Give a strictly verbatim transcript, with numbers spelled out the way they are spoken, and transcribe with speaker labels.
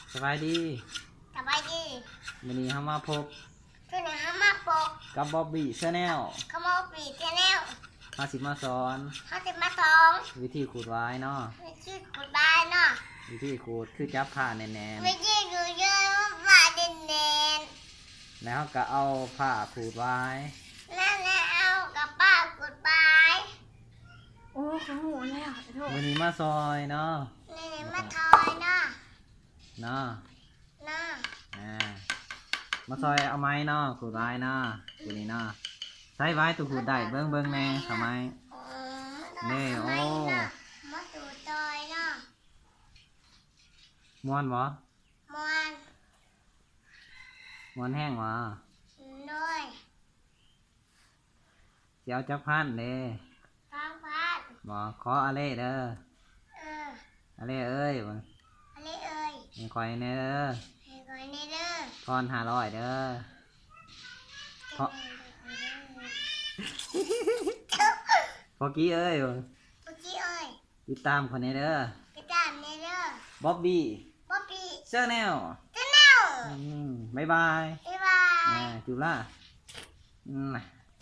Speaker 1: สบายดี
Speaker 2: สบายดี
Speaker 1: วันนี้เรามาพบ
Speaker 2: คือหนึ่งห้ามาปก
Speaker 1: กับบ๊อบบี้ชาแนล
Speaker 2: ขโมยปีเจแนล
Speaker 1: มาสิมาสอน
Speaker 2: เขาจะมาสอง
Speaker 1: วิธีขูดไว้เนาะ
Speaker 2: วิธีขุดได้เนาะ
Speaker 1: วิธีขูดคือจับผ้าแน่น
Speaker 2: วิธีดูเยอะว่าเด่นเด่น
Speaker 1: ๆแล้วก็เอาผ้าขูดไว้
Speaker 2: นั่นแหละเอากับป้าขุดไป
Speaker 3: โอ้เขาหูแล้วโทษ
Speaker 1: วันนี้มาซอยเนาะ
Speaker 2: นี่มาทอยเนาะ
Speaker 1: เนาะ
Speaker 2: เนาะ
Speaker 1: อ่ามาซอยเอาไม้เนาะขูดไว้เนาะวันนี้เนาะใช้ไว้ตัวขูดได้เบิ้งเบิ้งแน่ทำไมนี่โอ้
Speaker 2: มาดูทอยเนาะ
Speaker 1: ม้วนบ่
Speaker 2: มวน
Speaker 1: ม้วนแห้งบ่
Speaker 2: ด้วย
Speaker 1: เสียวจับพันเด้
Speaker 2: ฟังพัด
Speaker 1: บ่ขออะไรเด้อ
Speaker 2: เออ
Speaker 1: อะไรเอ้ยบ่
Speaker 2: อะไรเอ่ย
Speaker 1: ให้คอยเด้อ
Speaker 2: ให้คอยเด้อ
Speaker 1: ทอนห้าร้อยเด้อพอพอกี้เอ้ย
Speaker 2: พอกี้เอ้ย
Speaker 1: ติดตามคนนี้เด้อ
Speaker 2: ติดตามเด้อ
Speaker 1: บ๊อบบี้
Speaker 2: บ๊อบบี้
Speaker 1: ชาแนล
Speaker 2: ชาแนล
Speaker 1: บ๊ายบาย
Speaker 2: บ๊ายบาย
Speaker 1: จุฬาอืม